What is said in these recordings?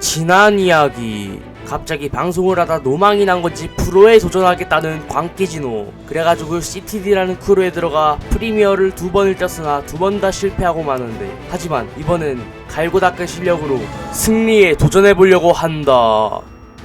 지난 이야기. 갑자기 방송을 하다 노망이 난 건지 프로에 도전하겠다는 광기진호. 그래가지고 CTD라는 크루에 들어가 프리미어를 2번을 떴으나 2번 다 실패하고 마는데, 하지만 이번엔 갈고 닦은 실력으로 승리에 도전해보려고 한다.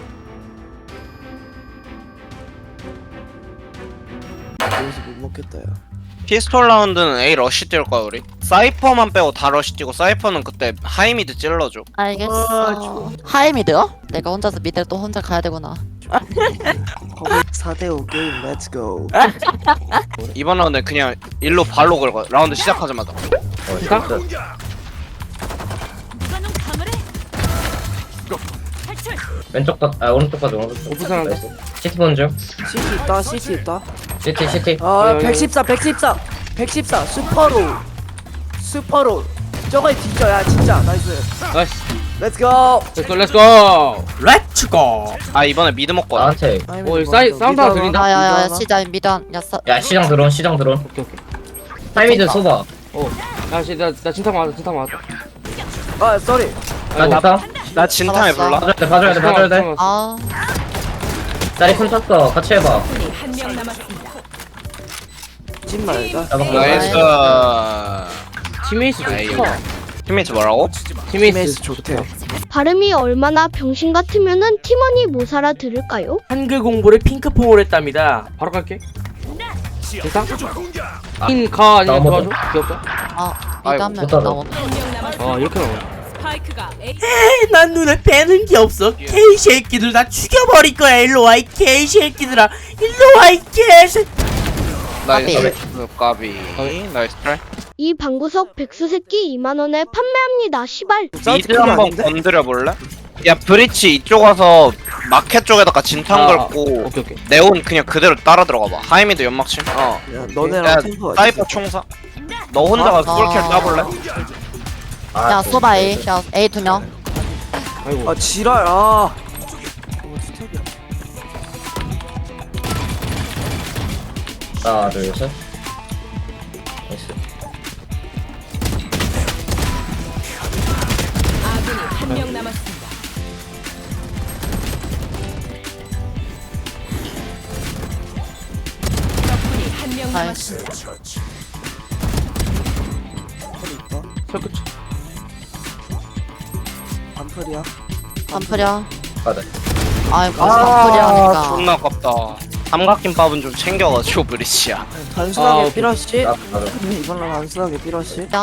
여기서 못 먹겠다 야. 피스톨 라운드는 A 러쉬 뛸 거야 우리. 사이퍼만 빼고 다 러쉬 뛰고 사이퍼는 그때 하이미드 찔러줘. 알겠어. 하이미드요? 내가 혼자서 미드를 또 혼자 가야 되구나. 거기 4대5 게임 렛츠고. 이번 라운드 그냥 일로 발로 긁어. 라운드 시작하자마자. 왼쪽 가, 아 오른쪽 가자 오른쪽. 오프상 나이스. 시티 먼저. CT 있다 CT 있다. 시티. 아 114 슈퍼로 저거에 뒤져야 진짜 나이스. 나이스. 렛츠고. 렛츠고. 렛츠고. 아 이번에 미드 먹고 와. 나한테. 오, 사운드 하나 들린다? 야야야 시자 미단 야사. 야 시장 드론. 오케이. 타이미드 쏘봐. 나 진탕 맞았다. 아 쏘리. 나 나다. 나 진탕에 잡았어. 불러. 봐줘야 돼. 아 다리 손 쳤어. 같이 해봐. 찐 말다. 나이스. 팀메이스 아이, 좋다. 팀메이트 뭐라고? 팀메이스 좋대. 발음이 얼마나 병신 같으면은 팀원이 못 알아들을까요? 한글 공부를 핑크퐁을 했답니다. 바로 갈게. 진탕? 인가 아니면 나머지. 도와줘? 귀엽다. 아 아이고, 미단 못하다. 나오네. 이렇게 나오네. 스파이크가 A 난 눈에 뵈는 게 없어. 개새끼들 다 죽여버릴 거야. 일로 와, 이 개새끼들아. 일로 와, 이 개새. 나이스. 까비. 나이스 트라이. 이 방구석 백수새끼 2만원에 판매합니다. 시발. 미드 한번 건드려 볼래? 야 브리치 이쪽 와서 마켓 쪽에다가 진탕 걸고 오케이. 네온 그냥 그대로 따라 들어가봐. 하이미드 연막침. 어. 야 야, 너네랑 템포 사이퍼 총사. 너 혼자가 풀킬 따볼래? 야 소바 A. 야 A 2명. 아이고. 아 지랄 아. 하나 둘 셋. 나이스. 아군이 한 명 남았습니다. 적군이 한 명 나이스. 남았습니다. 설끝. 반풀이야. 반프려. 가자. 아이고 반프려니까. 존나 아깝다. 삼각김밥은 좀 챙겨가지고 브리치야. 단순하게 오케이. 삐러시. 나 가자. 이번 날 단순하게 삐러시. 야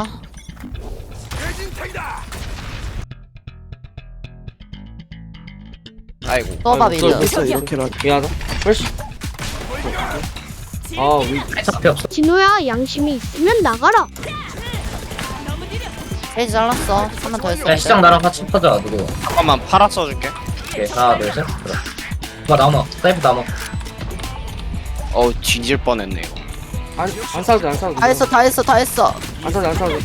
아이고. 소바 아이고, 미드. 있어 이렇게라. 미안하다. 프레시. 차피 없어. 진호야 양심이 있으면 나가라. A 잘랐어. 한 번 더 했어. 야 시장 나랑 같이 퍼져 누구. 잠깐만 팔아 써줄게. 오케이 하나 둘 셋. 그래. 봐 남아. 사이프 남아. 어우 뒤질 뻔했네 이거. 안 싸우지. 다 했어. 안 싸우지.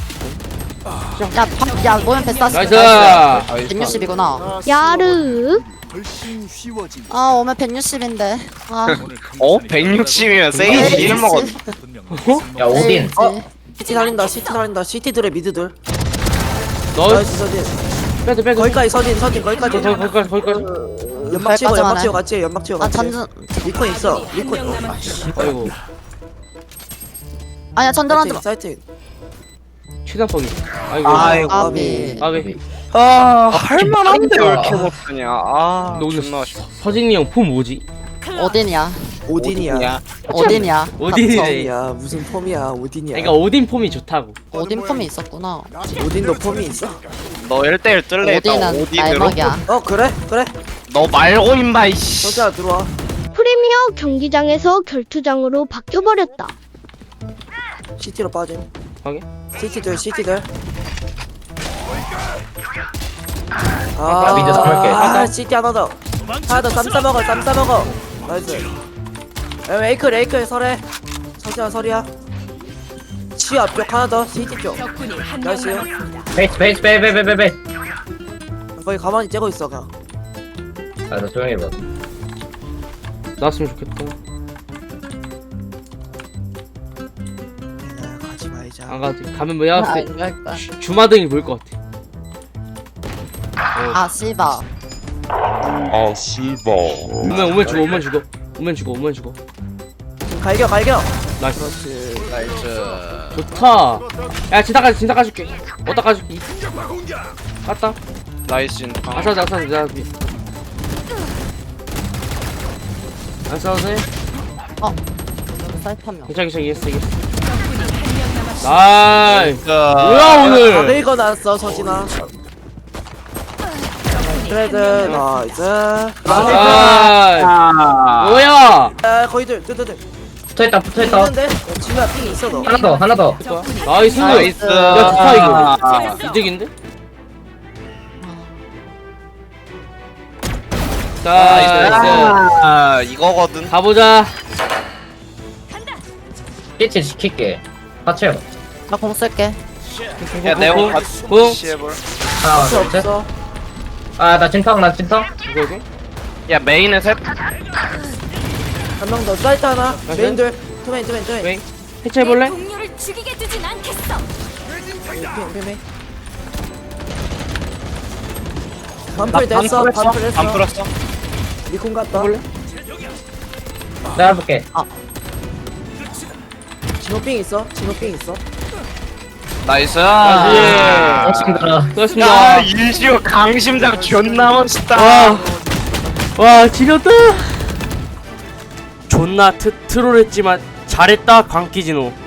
야 모면 패스. 나이스. 160이구나. 야르. 아 오면 160인데. 아 어? 160이면 세이지 이름 먹었. 야 오딘. CT 살린다 CT 들의 미드들. 너 나이스 서진. 빼도. 거기까지 서진 거기까지. 거기까지. 연막 치고 거기까지만 같이 연막 치고 아 같이. 전전. 리콘 있어 리콘. 한명 남았습니다. 아이고. 아니야 전전 하지 마. 사이팅. 최단 뻑이. 아이고. 아이고. 아비. 아베. 아 할만한데 왜 이렇게 못하냐. 아 너 오늘 존나 아쉽다. 서진이 형 폼 뭐지? 오딘이야. 오딘이야. 오딘이야. 오딘이래. 폼이야 무슨 폼이야 오딘이야. 그러니까 오딘 폼이 좋다고. 오딘 폼이 있었구나. 오딘도 폼이 있어? 너 1대1 뜰래 일단 오딘은 오딘으로. 날먹이야. 어 그래 너 말고 임마 이씨. 서자 들어와. 프리미어 경기장에서 결투장으로 바뀌어버렸다. CT로 빠짐. 확인. CT들. 야, 미드 삼을게. CT 하나 더 쌈 싸먹어 나이스. 에이클 설해. 서지야 설이야. 치 앞쪽 하나 더 CT 쪽. 적군이 한 명 나이스. 남았습니다. 베이스. 거기 가만히 째고 있어 그냥. 아나 조용히 해봐. 나왔으면 좋겠다. 가지 말자. 안 가지. 가면 뭐야? 아, 이럴 거야. 주마등이 보일 것 같아. 아 씨바. 오면 죽어. 갈겨 나이스. 그렇지. 나이스. 좋다. 야, 진짜 까줄게. 어디다 까줄게. 깠다. 나이스 인파. 아싸. 안 싸워도 돼? 사이트 한 명. 괜찮아, 이겼어. 적군이 한명 남았습니다. 나이스. 뭐야, 다 오늘? 긁어놨어 서진아. 그래도 나이스. 나이스. 뭐야? 아 거의들 뜨뜨들. 붙어있다 붙어있다. 있는데 지금 핑 있어 너. 하나 더. 나이스. 나이스. 야, 좋다, 이거. 이득인데? 나이스. 이거거든. 가보자. CT 시킬게. 같이 해봐. 나 공 쓸게. 야 네오 공. 시해볼. 하나 없어 둘 셋. 없어. 아나 진탕. 이거? 야 메인에 셋. 한 명 더 사이트 하나. 나이스. 메인들. 투메인. 왜? 해체해볼래? 동료를 죽이게 두진 않겠어. 핑. 반풀 됐어. 반풀 했어. 안 풀었어. 리콘 갔다. 해볼래? 내가 해볼게. 진호핑 있어. 나이스. 고맙습니다. 수고하셨습니다. 야 일시오 강심장 존나 멋있다. 와, 지렸다. 존나 트롤했지만 잘했다, 광기진호.